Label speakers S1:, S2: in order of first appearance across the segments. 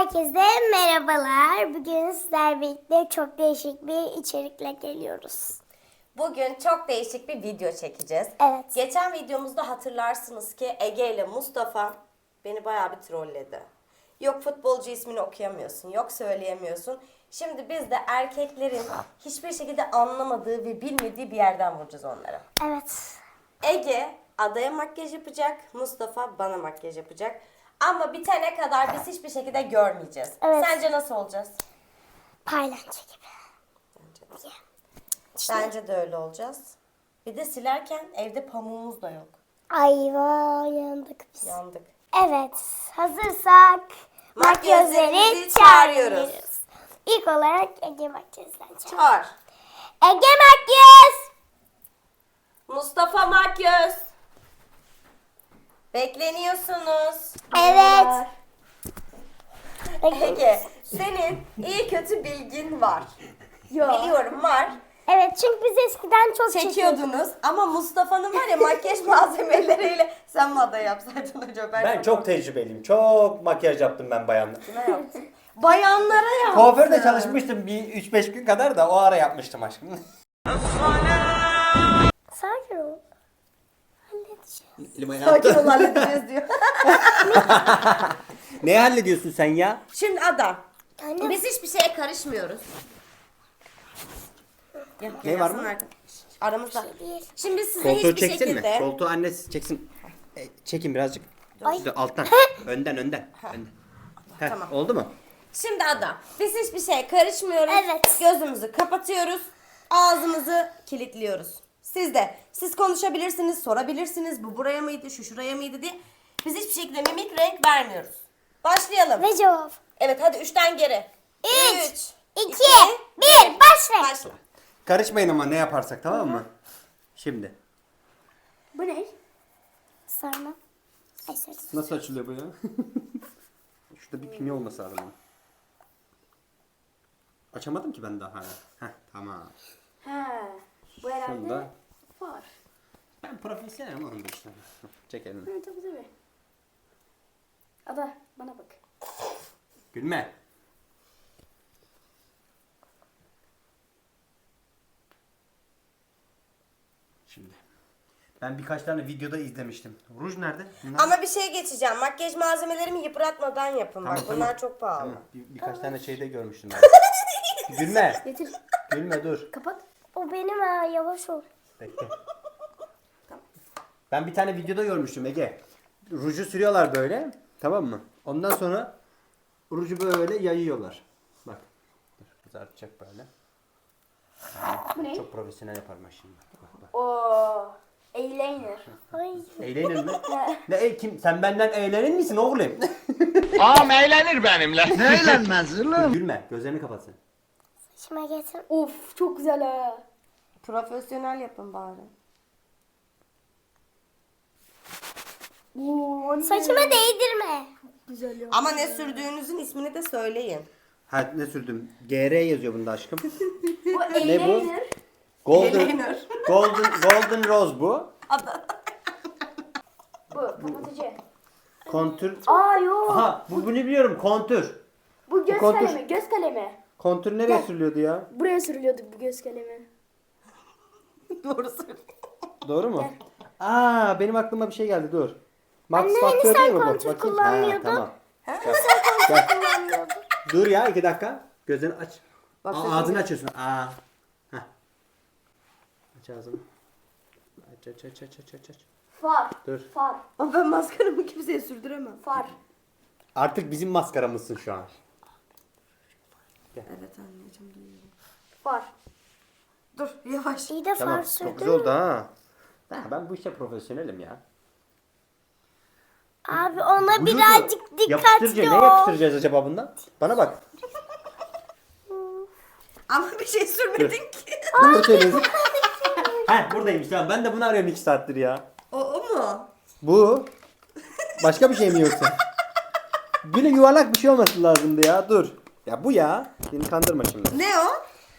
S1: Herkese merhabalar. Bugün sizlerle birlikte çok değişik bir içerikle geliyoruz.
S2: Bugün çok değişik bir video çekeceğiz.
S1: Evet.
S2: Geçen videomuzda hatırlarsınız ki Ege ile Mustafa beni bayağı bir trolledi. Yok futbolcu ismini okuyamıyorsun, yok söyleyemiyorsun. Şimdi biz de erkeklerin hiçbir şekilde anlamadığı ve bilmediği bir yerden vuracağız onlara.
S1: Evet.
S2: Ege adaya makyaj yapacak, Mustafa bana makyaj yapacak. Ama bitene kadar biz hiçbir şekilde görmeyeceğiz.
S1: Evet.
S2: Sence nasıl olacağız?
S1: Paylanca gibi.
S2: Bence de öyle olacağız. Bir de silerken evde pamuğumuz da yok.
S1: Ayva yandık biz.
S2: Yandık.
S1: Evet. Hazırsak makyözleri çağırıyoruz. İlk olarak Ege makyözden çağır.
S2: Çağır.
S1: Ege makyöz.
S2: Mustafa Makyöz. Bekleniyorsunuz.
S1: Evet.
S2: Ege, senin iyi kötü bilgin var. Biliyorum var.
S1: Evet, çünkü biz eskiden çok çekiyorduk.
S2: Çekiyordunuz ama Mustafa'nın var ya makyaj malzemeleriyle sen mi aday yapsaydın acaba?
S3: Ben çok tecrübeliyim. Çok makyaj yaptım ben bayanlar.
S2: Ne yaptın? Bayanlara yaptın.
S3: Kuaförde çalışmıştım bir 3-5 gün kadar da o ara yapmıştım aşkım.
S1: Sakin ol. Halledeceğiz.
S2: Sakin ol halledeceğiz diyor.
S3: Ne hallediyorsun sen ya?
S2: Şimdi Ada.
S1: Anne.
S2: Biz hiçbir şeye karışmıyoruz.
S3: Ne var mı?
S2: Aramızda.
S1: Bir şey değil.
S2: Şimdi size
S3: Koltuğu
S2: hiçbir
S3: çeksin
S2: şekilde...
S3: mi? Koltuğu annesi çeksin. Çekin birazcık.
S1: Ay.
S3: İşte alttan. Önden. Önden. Heh,
S2: Tamam.
S3: oldu mu?
S2: Şimdi Ada, biz hiçbir şeye karışmıyoruz.
S1: Evet.
S2: Gözümüzü kapatıyoruz. Ağzımızı kilitliyoruz. Siz de. Siz konuşabilirsiniz, sorabilirsiniz. Bu buraya mıydı, şu şuraya mıydı diye. Biz hiçbir şekilde mimik renk vermiyoruz. Başlayalım.
S1: Ve cevap.
S2: Evet hadi 3'ten geri.
S1: 3,
S2: 3,
S1: 2, 1, başla.
S2: Başla.
S3: Karışmayın ama ne yaparsak, tamam mı? Şimdi.
S1: Bu ne? Sarma. Ay sarı.
S3: Nasıl açılıyor bu ya? Şurada bir pimi olması lazım. Açamadım ki ben daha hala. Heh, tamam.
S2: He. Bu herhalde
S3: Şunda.
S2: var.
S3: Ben profesyonelim oğlum bu işte. Çek elini.
S2: Tabii. Ada bana bak.
S3: Gülme. Şimdi. Ben birkaç tane videoda izlemiştim. Ruj nerede? Bunlar-
S2: Ama bir şey geçeceğim. Makyaj malzemelerimi yıpratmadan yapın bak.
S3: Tamam,
S2: Bunlar
S3: tamam.
S2: çok pahalı.
S3: Tamam. Birkaç tane şeyde görmüştüm ben. Gülme.
S1: Getir.
S3: Gülme dur.
S1: Kapat. O benim ha, yavaş ol.
S3: Bekle. Ben bir tane videoda görmüştüm Ege. Ruju sürüyorlar böyle. Tamam mı? Ondan sonra ruju böyle yayıyorlar. Bak. Dur, kızartacak böyle.
S2: Bu ne?
S3: Çok profesyonel yaparım ben şimdi. Bak.
S2: Oo. Eyeliner.
S1: Ay.
S3: Eğlenir mi? Kim? Sen benden eğlenir misin oğlum?
S4: Ağam eğlenir benimle. Ne eğlenmez oğlum?
S3: Gülme. Gözlerini kapatsın.
S1: Saçıma getir.
S2: Of çok güzel ha. Profesyonel yapın bari.
S1: Saçıma değdirme.
S2: Ama ne sürdüğünüzün ismini de söyleyin.
S3: Ha ne sürdüm? GR yazıyor bunda aşkım.
S2: Bu
S3: Ne bu? Golden,
S2: Eyeliner.
S3: golden Rose bu.
S2: Bu kapatıcı.
S3: Kontür.
S2: Aa yok.
S3: Aha bu ne biliyorum kontür.
S5: Bu göz
S3: Kontur.
S5: kalemi, göz kalemi.
S3: Kontür nereye sürülüyordu ya?
S5: Buraya sürülüyordu bu göz kalemi.
S2: Doğru söylüyorsun.
S3: Doğru mu? Aa benim aklıma bir şey geldi dur. Max
S1: Anne, hani
S3: Factor
S1: sen
S3: değil mi bu?
S1: kontür
S3: Bakayım.
S1: kullanmıyordun?
S3: Tamam. Gel. Dur ya 2 dakika. Gözlerini aç.
S2: Bak,
S3: Aa,
S2: sesini
S3: ağzını
S2: gel.
S3: açıyorsun. Aa. Heh. Aç ağzını. Aç.
S5: Far,
S3: Dur.
S5: far,
S2: Ama ben maskaramı kimseye sürdüremem.
S5: far.
S3: Artık bizim maskaramızsın şu an.
S2: Evet anneciğim duyuyorum.
S5: Far.
S2: Dur yavaş.
S1: İyi de
S3: Tamam.
S1: far
S3: Çok
S1: sürdün
S3: güzel oldu
S1: mü?
S3: ha. Ben bu işte profesyonelim ya.
S1: Abi ona
S3: Bluzu
S1: birazcık
S3: yapıştırıcı.
S1: dikkatli
S3: Ne
S1: ol.
S3: yapıştıracağız acaba bundan? Bana bak.
S2: Ama bir şey sürmedin ki.
S3: Doğru söylüyorsun. Heh buradaymış tamam. Ben de bunu arıyorum 2 saattir ya.
S2: O mu?
S3: Bu. Başka bir şey mi yoksa? Böyle yuvarlak bir şey olması lazımdı ya. Dur. Ya bu ya. Beni kandırma şimdi.
S2: Ne o?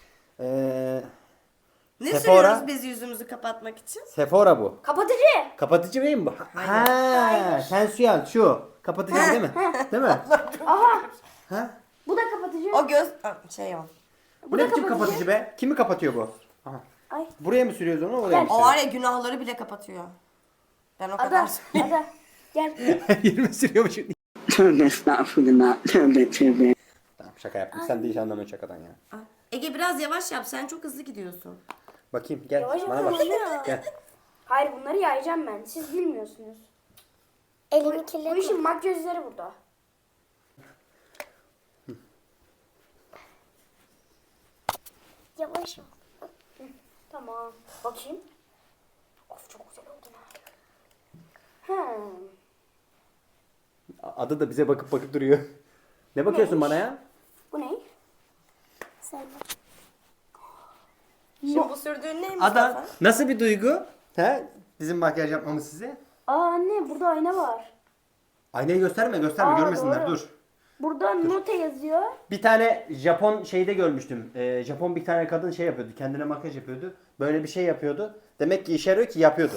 S2: Ne
S3: Sephora.
S2: sürüyoruz biz yüzümüzü kapatmak için?
S3: Sephora bu.
S5: Kapatıcı.
S3: Kapatıcı değil mi bu?
S2: Hayır.
S3: Ha, sensual şu. Kapatıcı değil mi? Değil mi?
S5: Aha.
S3: Ha?
S5: Bu da kapatıcı.
S2: O göz şey o.
S3: Bu ne biçim kapatıcı be? Kimi kapatıyor bu? Aha.
S5: Ay.
S3: Buraya mı sürüyoruz onu? Oraya mı
S2: O var ya günahları bile kapatıyor. Ben o kadar
S5: Ada. Ada. Gel.
S3: sürüyoruz? 20 sürüyormuş.
S6: Tövbe estağfurullah. Tövbe tövbe.
S3: Tamam şaka yaptım. Sen de hiç anlamıyorsun şakadan ya.
S2: Ege biraz yavaş yap. Sen çok hızlı gidiyorsun.
S3: Bakayım gel.
S5: Yavaş
S3: Bana
S5: yapalım
S3: bak.
S5: ya.
S3: Gel.
S5: Hayır bunları yayacağım ben. Siz bilmiyorsunuz.
S1: Elimi
S5: Bu
S1: kirletme.
S5: işin makyözleri burada.
S1: Yavaş ol.
S5: Tamam. Bakayım. Of çok güzel oldu. Hmm.
S3: Adı da bize bakıp bakıp duruyor. Ne bakıyorsun bana ya?
S5: Bu ne?
S1: Sen
S2: Şimdi bu sürdüğün ne Mustafa?
S3: Ada nasıl bir duygu? He? Bizim makyaj yapmamız size.
S5: Aa anne burada ayna var.
S3: Aynayı gösterme gösterme
S5: Aa,
S3: görmesinler
S5: doğru.
S3: dur.
S5: Burada note yazıyor.
S3: Bir tane Japon şeyde görmüştüm. Japon bir tane kadın şey yapıyordu. Kendine makyaj yapıyordu. Böyle bir şey yapıyordu. Demek ki işe yarıyor ki yapıyordu.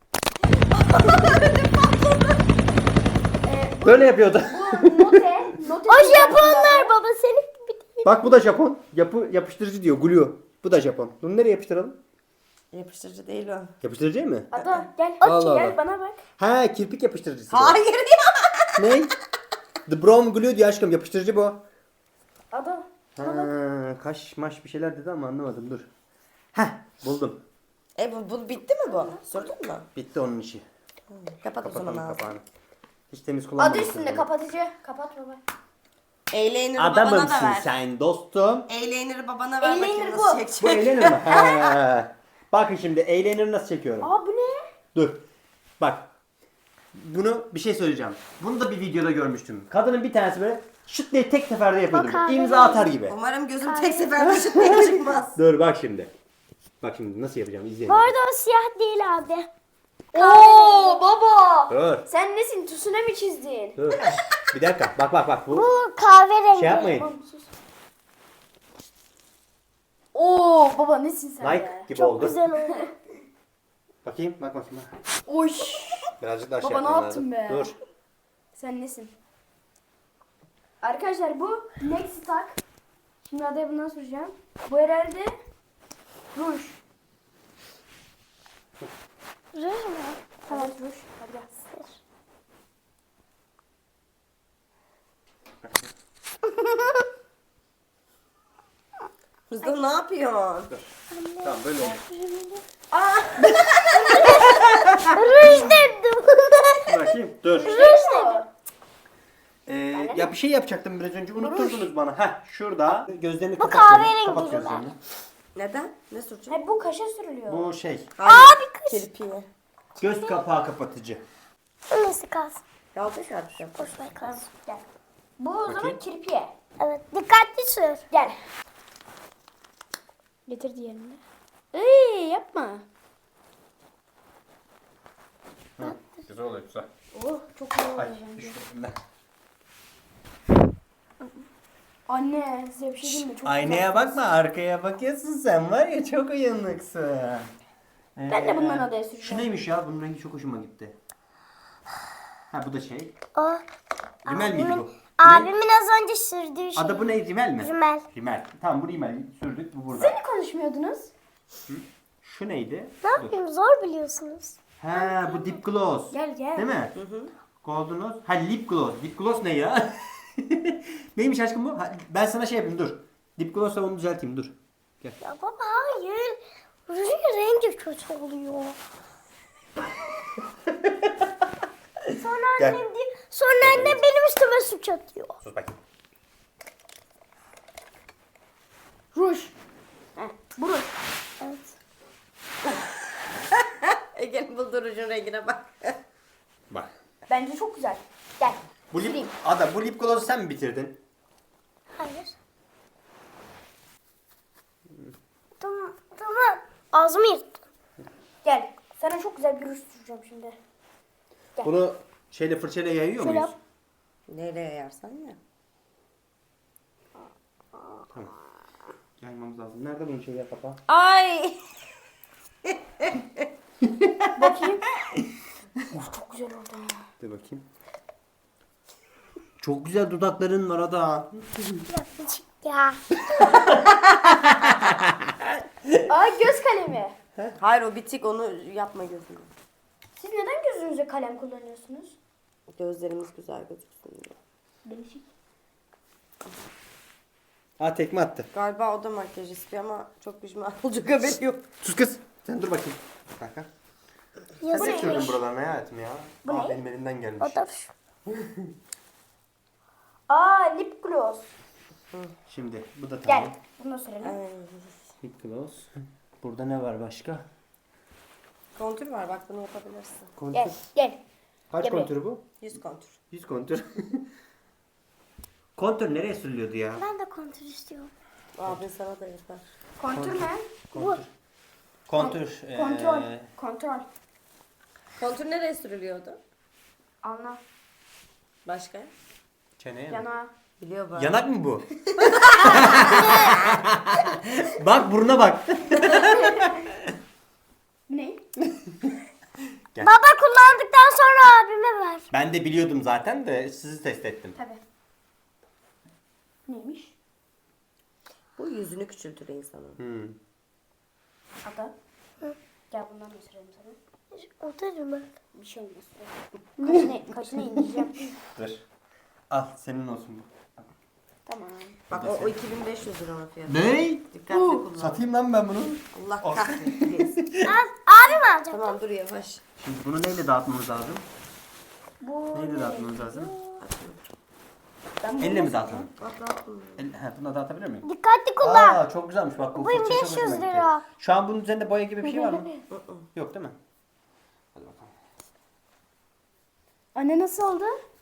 S3: Böyle yapıyordu.
S5: Bu note.
S1: O Japonlar baba senin gibi değil.
S3: Bak bu da Japon. Yapıştırıcı diyor. Glue. Bu da Japon. Bunu nereye yapıştıralım?
S2: Yapıştırıcı değil o.
S3: Yapıştırıcı mı?
S5: Ada gel.
S3: Allah
S5: Gel
S3: Allah.
S5: bana bak.
S3: Ha kirpik yapıştırıcısı. bu.
S2: Hayır ya.
S3: Ne? The Brom Glue diyor aşkım. Yapıştırıcı bu.
S5: Ada.
S3: Ha, kaş maş bir şeyler dedi ama anlamadım. Dur. Heh buldum.
S2: Bu bitti mi bu? Sürdün mü?
S3: Bitti onun işi.
S2: Kapat o zaman
S3: Kapatalım
S2: ağzını.
S3: kapağını. Hiç temiz
S5: Adı
S3: kullanmamışsın.
S5: üstünde
S3: bunu.
S5: kapatıcı. Kapat baba.
S2: Eyeliner'ı babana da
S3: Adamımsın
S2: ver.
S3: sen dostum.
S2: Eyeliner'ı babana ver bakayım
S5: Eyeliner
S2: nasıl
S5: bu.
S2: çekecek.
S3: Bu eyeliner mi? Ha. Bakın şimdi eyeliner'ı nasıl çekiyorum.
S5: Aa bu ne?
S3: Dur. Bak. Bunu bir şey söyleyeceğim. Bunu da bir videoda görmüştüm. Kadının bir tanesi böyle şıt diye tek seferde yapıyordu.
S1: Bak abi.
S3: İmza atar gibi.
S2: Umarım gözüm tek seferde şıkmaya çıkmaz.
S3: Dur bak şimdi. Bak şimdi nasıl yapacağım izleyin.
S1: Bu arada o siyah değil abi.
S5: Oo baba.
S3: Dur.
S5: Sen nesin? Tsunami mi çizdin?
S3: Dur. Bir dakika. Bak. Bu
S1: Bu kahverengi.
S3: şey yapmayın.
S5: Tamam, sus. Oo baba nesin sen
S3: Like
S5: be?
S3: gibi
S1: Çok
S3: oldu.
S1: güzel oldu.
S3: Bakayım. Bak bakayım.
S5: Oy.
S3: Birazcık daha
S5: Baba,
S3: şey
S5: ne
S3: yapmam
S5: yaptın
S3: lazım.
S5: be?
S3: Dur.
S5: Sen nesin? Arkadaşlar bu Next Tak. Şimdi adaya bundan soracağım. Bu herhalde ruj.
S1: Ruj mu?
S5: Evet ruj. Hadi gel.
S2: Mustafa ne yapıyorsun?
S3: Tamam böyle oldu.
S1: Ruj dedim.
S3: Bakayım. Dur.
S1: Ruj dedim.
S3: Ya bir şey yapacaktım biraz önce. Unutturdunuz bana. Heh şurada. Gözlerini kapat.
S1: kahverengi
S3: Kapat
S1: ruj
S3: gözlerini.
S2: Neden? Ne süreceğim?
S5: He bu kaşa sürülüyor.
S3: Bu şey.
S2: Abi kirpiği.
S3: Göz kapağı kapatıcı.
S1: Nasıl kalsın?
S2: Yanlış yapacağım.
S1: Boş ver kalsın.
S5: Gel. Bu o zaman
S3: Bakayım.
S5: kirpiye.
S1: Evet dikkatli sür.
S5: Gel. Getir diğerini. Ey yapma.
S3: Güzel oluyor güzel.
S5: Oh çok güzel oluyor
S3: Ay
S5: bence.
S3: düşürdüm ben.
S5: Anne size bir şey diyeyim mi? Çok
S3: Aynaya
S5: güzel.
S3: bakma arkaya bakıyorsun sen var ya çok uyanıksın.
S5: Ben de bundan adaya süreceğim.
S3: Şu neymiş ya bunun rengi çok hoşuma gitti. Ha bu da şey.
S1: O
S3: Rimel miydi bu? Bu ne?
S1: abimin az önce sürdüğü şey.
S3: Adı bu ne? Rimel mi?
S1: Rimel.
S3: Rimel. Tamam bu rimel sürdük bu burada.
S5: Siz ne konuşmuyordunuz?
S3: Şu neydi?
S1: Ne yapayım zor biliyorsunuz.
S3: Ha bu dip gloss.
S5: Gel gel.
S3: Değil mi? Golden Rose. Ha lip gloss. Lip gloss ne ya? Neymiş aşkım bu? Ha, ben sana şey yapayım dur. Lip gloss'la onu düzelteyim dur. Gel.
S1: Ya baba hayır. Rujun rengi kötü oluyor. Sonra
S3: Gel.
S1: annem diyor. Sonra annem benim üstüme suç atıyor.
S3: Sus bakayım.
S5: Ruj. Heh, bu ruj.
S1: Evet.
S2: Ege'nin buldurucun rengine bak.
S3: Bak.
S5: Bence çok güzel. Gel.
S3: Bu lip,
S5: Süreyim.
S3: Ada bu lip gloss'u sen mi bitirdin?
S1: Hayır. Tamam. Ağzımı yırttı.
S5: Gel. Sana çok güzel bir ruj süreceğim şimdi.
S3: Bunu şeyle fırçayla yayıyor
S5: Şöyle
S3: muyuz?
S5: yap.
S2: Nereye yersen ya.
S3: Tamam. Yaymamız lazım. Nerede bunun şeyi kapağı?
S2: Ay.
S5: Bakayım. Of çok güzel oldu.
S3: Dur bakayım. Çok güzel dudakların var Ada.
S1: Yapmışık ya.
S5: Aa, göz kalemi.
S2: Hayır o bitik, onu yapma gözüne.
S5: Siz neden gözünüze kalem kullanıyorsunuz?
S2: Gözlerimiz güzel gözüksün diye.
S5: Değişik.
S3: Tekme attı.
S2: Galiba o da makyaj istiyor ama çok pişman olacak, haberi yok.
S3: Sus kız. Sen dur bakayım. Kanka. Sen
S1: Yazık.
S3: ne sürdün buralarına hayatım ya?
S5: Bu ne?
S3: Benim elimden gelmiş.
S1: O da
S5: Aa, lip gloss.
S3: Şimdi bu da
S5: Gel.
S3: tamam.
S5: Bunu sürelim.
S3: Lip gloss. Burada ne var başka?
S2: Kontür var, bak bunu yapabilirsin.
S3: Kontür.
S5: Gel. Gel.
S3: Kaç
S5: Gel buraya.
S3: kontürü bu?
S2: 100 kontür.
S3: 100 kontür. Kontür nereye sürülüyordu ya?
S1: Ben de kontrol istiyorum.
S2: Abin sana da yapar.
S5: Kontür ne?
S3: Kontür.
S5: Kontrol. Kontrol.
S2: Kontür nereye sürülüyordu?
S5: Anla.
S2: Başka?
S3: Çeneye mi?
S5: Yana.
S2: Biliyor bu.
S3: Yanak mı bu? Bak buruna bak.
S5: Ne?
S1: Baba kullandıktan sonra abime ver.
S3: Ben de biliyordum zaten de sizi test ettim.
S5: Tabii. Neymiş?
S2: Bu yüzünü küçültür insanın.
S3: Hmm.
S5: Ada. Gel bundan da sürelim sana.
S1: O da mı?
S5: Bir şey olmaz. Kaşına indireceğim.
S3: Dur. Al senin olsun bu.
S5: Tamam.
S2: Bak o 2500 lira onun fiyatı.
S3: Ne?
S2: Dikkatli kullan.
S3: Satayım lan ben bunu.
S2: Allah kahretsin.
S1: Abim alacak.
S2: Tamam dur yavaş.
S3: Şimdi bunu neyle dağıtmamız lazım?
S5: Bu
S3: Neyle dağıtmamız lazım?
S5: Ben
S3: Elle mi dağıtalım?
S2: Atla.
S3: Buna dağıtabilir miyim?
S1: Dikkatli kullan.
S3: Aa çok güzelmiş bak. Bu
S1: Bu
S3: fırça çok
S1: 500
S3: hoşuma gitti.
S1: lira.
S3: Şu an bunun üzerinde boya gibi bir şey var mı? Yok değil mi? Hadi bakalım.
S5: Anne nasıl oldu?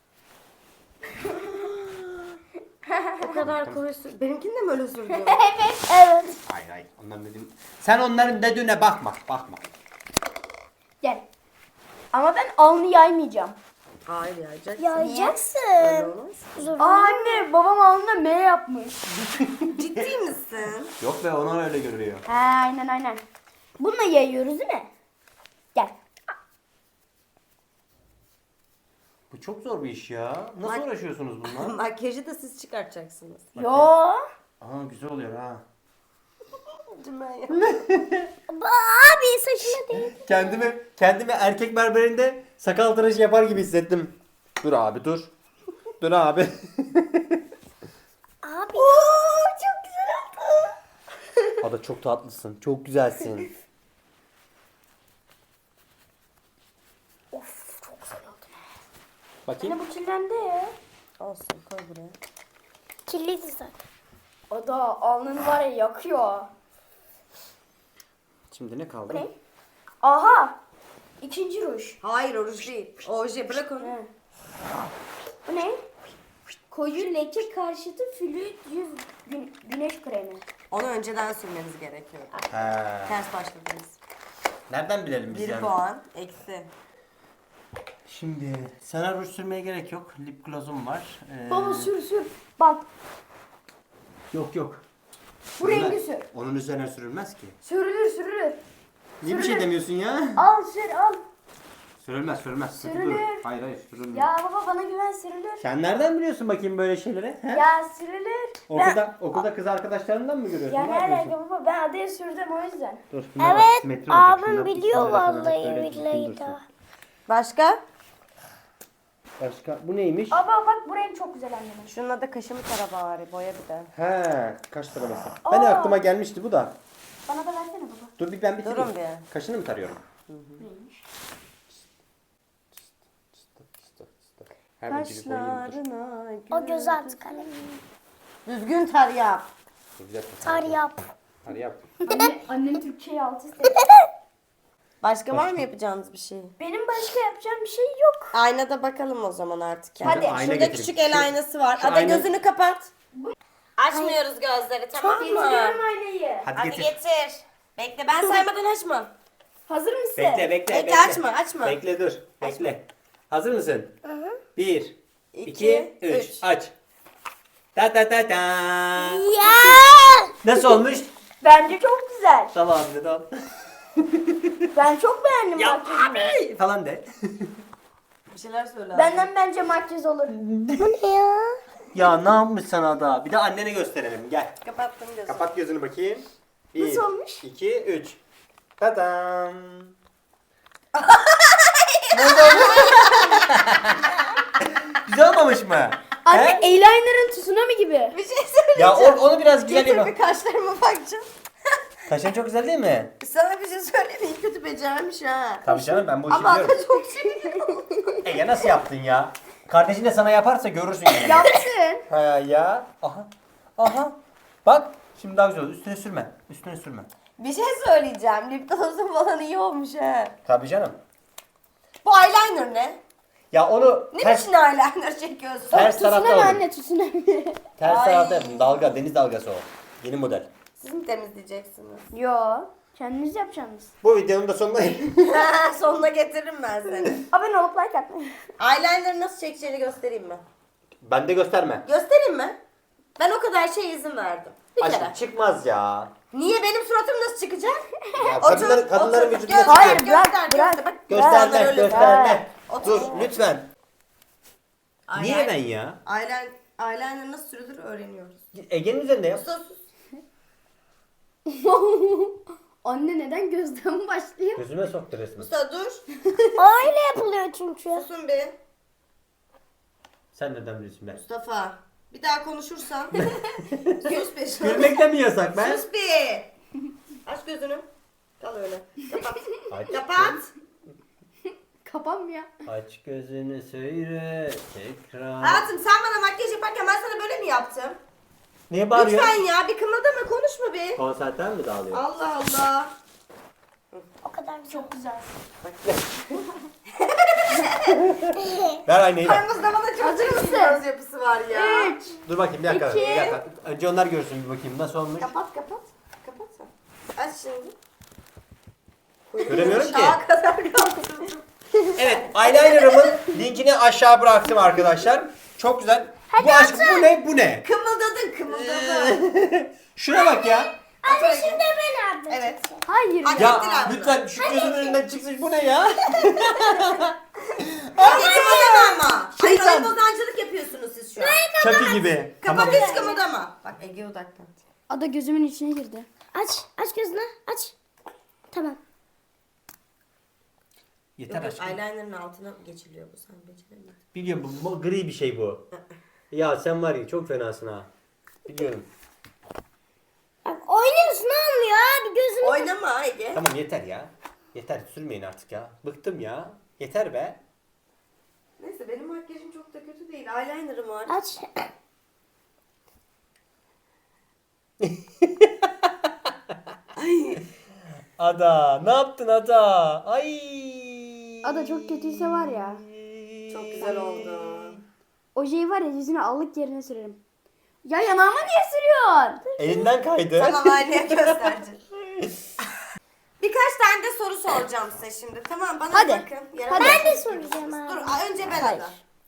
S2: O kadar koyu sür. Benimkini de mi öyle sürdün?
S1: Evet.
S3: Hayır hayır. Onların dediğim... Sen onların dediğine bakma. Bakma.
S5: Gel. Ama ben alnı yaymayacağım.
S2: Hayır yayacaksın.
S1: Yayacaksın.
S2: Öyle olmaz.
S5: Aa, anne babam alnına M yapmış.
S2: Ciddi misin?
S3: Yok be onlar öyle görüyor.
S5: He, aynen. Bununla yayıyoruz değil mi? Gel.
S3: Bu çok zor bir iş ya. Nasıl
S2: Bak-
S3: uğraşıyorsunuz bununla?
S2: Makyajı da siz çıkartacaksınız.
S5: Yo.
S3: Aa güzel oluyor ha.
S1: Abi saçına değil.
S3: Kendimi erkek berberinde sakal tıraşı yapar gibi hissettim. Dur abi dur. Dur abi.
S1: Abi.
S5: Çok güzel oldu.
S3: Ada çok tatlısın. Çok güzelsin.
S5: Of, çok güzel oldu.
S3: Bakayım.
S5: Anne bu kirlendi.
S2: Olsun koy buraya.
S1: Kirliydi zaten.
S5: O da alnını var ya yakıyor.
S3: Şimdi ne kaldı?
S5: Ne? Aha. İkinci ruj.
S2: Hayır o ruj değil. Oje bırak onu.
S5: He. Bu ne? Koyu leke karşıtı flüt yüz güneş kremi.
S2: Onu önceden sürmeniz gerekiyor.
S3: He.
S2: Ters başladınız.
S3: Nereden bilelim biz
S2: 1
S3: yani?
S2: puan eksi.
S3: Şimdi sana ruj sürmeye gerek yok. Lip gloss'um var.
S5: Baba sür. Bak
S3: Yok yok.
S5: bu rengi sür.
S3: Onun üzerine sürülmez ki.
S5: Sürülür.
S3: Niye bir şey demiyorsun ya?
S5: Al sür al.
S3: Sürülmez.
S5: Sürülür.
S3: Dur. Hayır sürülmez.
S5: Ya baba bana güven sürülür.
S3: Sen nereden biliyorsun bakayım böyle şeyleri? He?
S5: Ya sürülür.
S3: Okulda kız arkadaşlarından mı görüyorsun?
S5: Ya
S3: Ne
S5: ne
S3: yapıyorsun?
S5: alaka baba, ben adaya sürdüm o yüzden.
S3: Dur, şuna bak,
S1: Evet.
S3: simetri olacak.
S1: Abim
S3: Şuna
S1: biliyor
S3: bismillah sana
S1: vallahi
S3: böyle düzgün
S1: billahi
S3: dursun.
S1: da.
S2: Başka?
S3: Başka bu neymiş?
S5: Aba bak bu renk çok güzel annemin.
S2: Şununla da kaşımı tara bari. Boya bir de.
S3: He, kaş taraması. Ben aklıma gelmişti bu da.
S5: Bana da versene baba.
S3: Dur ben bitireyim.
S2: Durun bir.
S3: Kaşını mı tarıyorum?
S5: Neymiş?
S3: Her ucu bir boyayayım dur.
S2: Kaşlarına
S1: O göz altı kalemi.
S2: Düzgün tar yap.
S3: Güzel
S1: Tar yap.
S3: Tar yap.
S5: Annem Türkçe'yi alt üst etti.
S2: Başka var mı yapacağınız bir şey?
S5: Benim başka yapacağım bir şey yok.
S2: Aynada bakalım o zaman artık. Yani.
S5: Hadi.
S3: Ayna
S2: Şurada
S3: getireyim.
S2: küçük el aynası var.
S3: şu
S2: Ada
S3: ayna-
S2: gözünü kapat. Açmıyoruz gözleri, tamam mı?
S5: Getiriyorum aynayı.
S3: Hadi,
S2: Hadi
S3: getir.
S2: getir. Bekle, ben saymadan açma.
S5: Hazır mısın?
S2: Bekle, açma.
S3: Bekle dur. Bekle. Hazır mısın? 1 2
S2: İki,
S3: 3
S2: üç.
S3: aç. Ta ta ta ta.
S1: Ya.
S3: Nasıl olmuş?
S5: Bence çok güzel.
S3: Tamam abi tamam.
S5: Ben çok beğendim
S3: Ya
S5: makyajını.
S3: abi falan de.
S2: Bir şeyler söyle abi.
S5: Benden bence makyaj olur.
S1: Bu ne ya?
S3: Ya ne yapmış sana da? Bir de annene gösterelim. Gel.
S2: Kapattım gözümü.
S3: Kapat gözünü bakayım. 1,
S5: Nasıl olmuş?
S3: 2, 3. Tadam. Güzel olmamış mı?
S5: Anne
S3: He?
S5: eyeliner'ın tsunami gibi.
S2: Bir şey söyleyeceğim.
S3: Ya onu biraz güzel
S2: Getir
S3: yap.
S2: bir kaşlarıma bakacağım.
S3: Kaşın çok güzel değil mi?
S2: Sana bir şey söyleyeyim. İyi kötü becermiş ha.
S3: Tabii canım ben bu işi
S2: Ama
S3: biliyorum.
S2: çok seviyorum.
S3: Ege nasıl yaptın ya? Kardeşin de sana yaparsa görürsün yani.
S5: Yapsın.
S3: Ha ya. Aha. Aha. Bak. Şimdi daha güzel oldu. Üstüne sürme. Üstüne sürme.
S2: Bir şey söyleyeceğim. Lip gloss'un falan iyi olmuş ha.
S3: Tabii canım.
S2: Bu eyeliner ne?
S3: Ya onu
S2: Ne
S3: ters,
S2: biçim eyeliner çekiyorsun?
S3: ters tarafta
S5: Tsunami
S3: oldu.
S5: anne tsunami.
S3: Ters
S2: Ay.
S3: tarafta yaptım. Dalga. Deniz dalgası o. Yeni model.
S2: Siz mi temizleyeceksiniz?
S5: Yo. Kendiniz yapacaksınız.
S3: Bu videonun da sonuna
S2: Sonuna getiririm ben seni.
S5: Abone olup like atmayın.
S2: Eyeliner'ı nasıl çekeceğini göstereyim mi?
S3: Ben de gösterme.
S2: Göstereyim mi? Ben o kadar şey izin verdim. Bir kere.
S3: Aşkım çıkmaz ya.
S2: Niye benim suratım nasıl çıkacak?
S3: Ya kadınların
S2: otur.
S3: vücudunda
S2: Göster,
S5: Hayır,
S3: çıkıyor.
S5: bırak,
S2: göster,
S5: bırak.
S2: göster. Bak,
S3: Gösterme,
S2: insanlar öyle
S3: gösterme.
S2: Otur.
S3: Dur lütfen.
S2: Eyeliner-
S3: Niye ben ya?
S2: Eyeliner nasıl sürülür öğreniyoruz.
S3: Ege'nin üzerinde yap.
S2: Sus sus.
S5: Anne neden gözden başlıyor?
S3: Gözüme soktu resmen.
S2: Mustafa dur.
S1: Öyle yapılıyor çünkü.
S2: Susun bir.
S3: Sen neden biliyorsun ben?
S2: Mustafa. Bir daha konuşursan. Sus bir.
S3: Gülmekten mi yasak ben?
S2: Sus bir. Aç gözünü. Kal öyle. Kapat.
S3: Aç,
S2: Kapat.
S5: Kapanmıyor.
S3: aç gözünü söyle tekrar.
S2: Hayatım sen bana makyaj yaparken ben sana böyle mi yaptım?
S3: Niye bağırıyorsun?
S2: Lütfen ya bir kımıldama konuşma bir.
S3: Konserten mi dağılıyor?
S2: Allah Allah.
S1: O kadar çok güzel.
S3: Ver aynayı ver.
S2: Aramızda bana çok
S5: Hazır
S2: çirkin
S5: mısın?
S2: göz yapısı var ya.
S5: 3.
S3: Dur bakayım bir dakika.
S5: İki.
S3: Bir dakika. Önce onlar görsün bir bakayım nasıl olmuş.
S2: Kapat kapat. Kapat sen. Aç şimdi.
S3: Göremiyorum ki.
S2: Aşağı kadar yaptım.
S3: Evet, eyeliner'ımın linkini aşağı bıraktım arkadaşlar. Çok güzel. Bu aşk bu ne? Bu ne?
S2: Kımıldadın kımıldadın.
S3: Şuna bak ya.
S1: Anne şimdi ben aldım.
S2: Evet.
S5: Hayır.
S2: Hadi.
S3: Ya
S2: Ettiler bunu.
S3: lütfen şu gözümün önünden çıksın. Bu ne ya?
S2: Hadi kımıldama ama. Hayır
S3: Şeytan.
S2: oyun bozancılık yapıyorsunuz siz şu an.
S3: Çaki gibi.
S2: Kapat
S3: Tamam.
S2: hiç kımıldama. Bak Ege odaklan.
S5: Ada gözümün içine girdi.
S1: Aç gözünü aç. Tamam.
S3: Yeter aşkım.
S2: Eyeliner'ın altına geçiliyor bu sen beceremedin.
S3: Biliyorum bu gri bir şey bu. Ya sen var ya çok fenasın ha. Biliyorum.
S1: Bak oynuyorsun olmuyor abi gözünü.
S2: Oynama Ege.
S3: Tamam yeter ya. Yeter sürmeyin artık ya. Bıktım ya. Yeter be.
S2: Neyse benim makyajım çok da kötü değil. Eyeliner'ım var.
S1: Aç.
S3: Ada ne yaptın Ada? Ay.
S5: Ada çok kötüyse var ya.
S2: Çok güzel oldu.
S5: Ojeyi var ya yüzüne allık yerine sürerim. Ya yanağıma niye sürüyorsun?
S3: Elinden kaydı.
S2: Sana aynaya göstereceğim. Birkaç tane de soru soracağım size şimdi. Tamam bana
S5: Hadi.
S2: bakın. Yere
S5: Hadi.
S2: bakın.
S1: Ben de soracağım abi.
S2: Dur önce ben
S5: Hayır.
S2: Ada.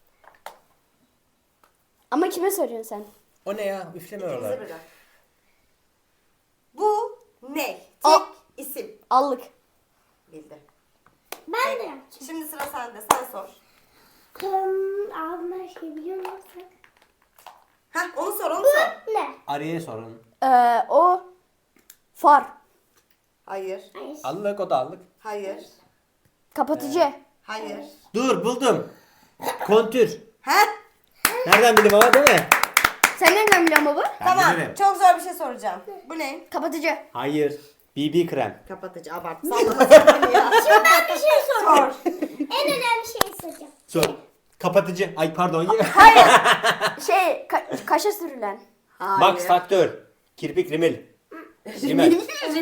S5: Ama kime soruyorsun sen?
S3: O ne ya? Üfleme
S2: İkinize
S3: oralar.
S2: bırak. Bu ne? Tek
S5: Aa.
S2: isim.
S5: Allık.
S2: Bildi.
S1: Ben de yapacağım.
S2: Şimdi sıra sende. Sen sor.
S1: Ağzına şey biliyor musun?
S2: Heh onu sor onu sor.
S1: Ne?
S3: Arıya sorun.
S5: O far.
S2: Hayır.
S1: Hayır.
S3: Allık o da allık.
S2: Hayır.
S5: Kapatıcı.
S2: Hayır.
S3: Dur buldum. Kontür.
S2: Heh.
S3: Nereden bildim ama değil mi?
S5: Sen nereden biliyorsun baba?
S3: Ben
S2: Tamam.
S3: bilirim.
S2: Çok zor bir şey soracağım. Bu ne?
S5: Kapatıcı.
S3: Hayır. BB krem.
S2: Kapatıcı abart. Sallama sen ya.
S1: Ben bir şey soracağım.
S2: Sor.
S1: En önemli şeyi soracağım.
S3: Sor. Kapatıcı. Ay pardon.
S5: Şey kaşa sürülen.
S2: Hayır.
S3: Max Faktör. Kirpik rimel. Rimel.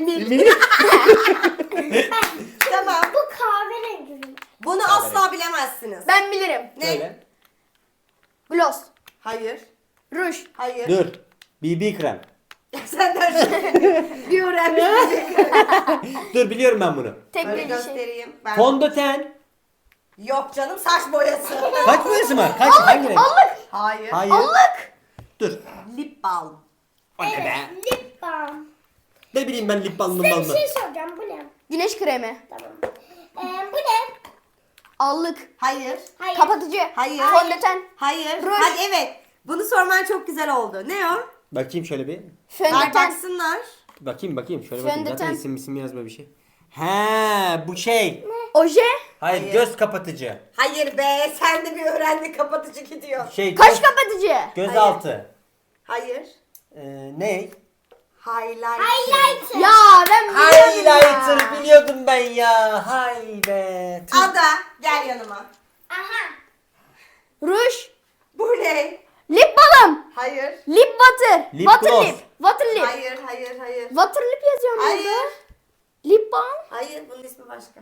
S2: Tamam.
S1: Bu kahverengi.
S2: Bunu asla bilemezsiniz.
S5: Ben bilirim.
S2: Ne?
S3: Söyle.
S5: Gloss.
S2: Hayır.
S5: Ruj.
S2: Hayır.
S3: Dur. BB krem.
S2: Sen de bir öğrenmiş.
S3: Dur biliyorum ben bunu.
S5: Tek
S2: Böyle
S5: bildiği şey.
S2: göstereyim. Ben...
S3: Fondöten.
S2: Yok canım saç boyası.
S3: Kaç boyası var? Kaç? Hangi renk?
S5: Allık.
S2: Hayır.
S3: Hayır.
S5: Allık.
S3: Dur.
S2: Lip balm.
S3: O ne be?
S1: Lip balm.
S3: Ne bileyim ben lip balmım
S1: Size bir
S3: balmım.
S1: şey soracağım. Bu ne?
S5: Güneş kremi.
S1: Tamam. Bu ne?
S5: Allık.
S2: Hayır.
S1: Hayır.
S5: Kapatıcı.
S2: Hayır.
S5: Fondöten.
S2: Hayır.
S5: Ruj.
S2: Hadi evet. Bunu sorman çok güzel oldu. Ne o?
S3: Bakayım şöyle bir.
S2: Ver
S5: Fondöten.
S2: baksınlar.
S3: Bakayım şöyle bakayım. Zaten
S5: Fondöten.
S3: isim yazma bir şey. He bu şey.
S5: Oje.
S3: Hayır, göz kapatıcı.
S2: Hayır be, sen de bir öğrendi, kapatıcı gidiyor.
S3: Şey
S5: Kaş kapatıcı.
S3: gözaltı.
S2: Hayır.
S3: Ne?
S2: Highlight.
S1: Highlighter.
S5: Ya ben biliyordum ya.
S3: Highlighter biliyordum ben ya. Hay be. Tüh.
S2: Ada, gel yanıma.
S1: Aha.
S5: Ruj.
S2: Bu ne?
S5: Lip balm.
S2: Hayır.
S5: Lip butter.
S3: Lip
S5: Water
S3: gloss.
S5: lip. Water lip.
S2: Hayır.
S5: Water lip yazıyorum
S2: Hayır.
S5: burada. Lip balm.
S2: Hayır, bunun ismi başka.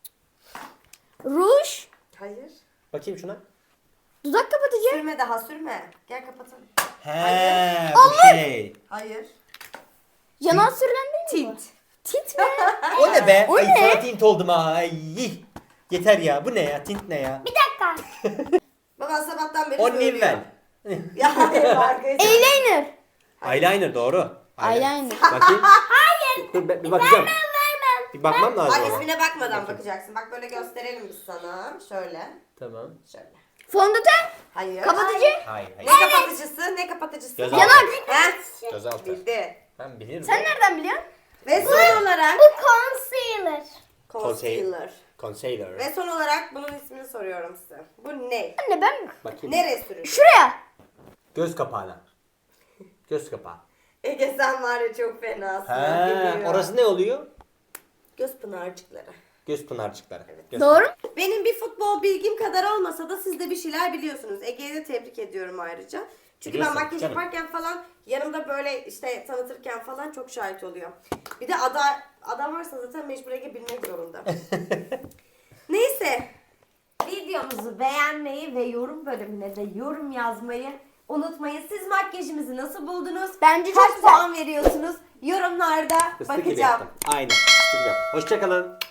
S5: Ruj.
S2: Hayır.
S3: Bakayım şuna.
S5: Dudak kapatıcı.
S2: Sürme daha, sürme. Gel kapatalım.
S3: He bu şey.
S2: Hayır.
S5: Yanan sürülen değil mi?
S2: Tint.
S5: Tint mi?
S3: O ne be?
S5: O
S3: Ay
S5: ne?
S3: sana tint oldum ha. Ay. Yeter ya. Bu ne ya? Tint ne ya?
S1: Bir dakika.
S2: Baba sabahtan beri
S3: O
S2: söylüyor.
S3: Nivel.
S2: Ya hayır arkadaşlar.
S5: Eyeliner.
S3: Eyeliner doğru.
S5: Eyeliner.
S3: Bakayım. Hayır. Dur bir bakacağım.
S1: Vermem.
S3: Bir bakmam lazım
S2: Bak
S3: ama.
S2: ismine bakmadan bakacaksın. Bak böyle gösterelim biz sana. Şöyle.
S3: Tamam.
S2: Şöyle.
S5: Fondöten.
S2: Hayır.
S5: Kapatıcı.
S3: Hayır.
S2: Ne kapatıcısı? Ne kapatıcısı?
S3: Gözaltı.
S5: Yanak.
S2: He?
S3: Gözaltı.
S2: Bildi.
S3: Ben bilirim.
S5: Sen nereden biliyorsun?
S2: Ve son olarak
S1: Bu concealer.
S2: concealer.
S3: Concealer.
S2: Ve son olarak bunun ismini soruyorum size. Bu ne?
S5: Anne ben
S3: Bakayım.
S2: Nereye sürülür?
S5: şuraya.
S3: Göz kapağına. Göz kapağı.
S2: Ege sen var ya çok fenasın.
S3: He,
S2: Biliyorum.
S3: orası ne oluyor?
S2: Göz pınarcıkları.
S3: Göz pınarcıkları. Göz
S5: Doğru.
S2: Benim bir futbol bilgim kadar olmasa da siz de bir şeyler biliyorsunuz. Ege'yi de tebrik ediyorum ayrıca. Çünkü
S3: Biliyorsun,
S2: ben makyaj
S3: canım.
S2: yaparken falan yanımda böyle işte tanıtırken falan çok şahit oluyor. Bir de ada varsa zaten mecbur Ege bilmek zorunda. Neyse. Videomuzu beğenmeyi ve yorum bölümüne de yorum yazmayı unutmayın. Siz makyajımızı nasıl buldunuz?
S5: Bence çok
S2: Kaç
S5: güzel.
S2: puan veriyorsunuz? Yorumlarda
S3: Fıstık gibi
S2: bakacağım.
S3: yaptım. Aynen. Fıstık gibi yaptım. Hoşçakalın.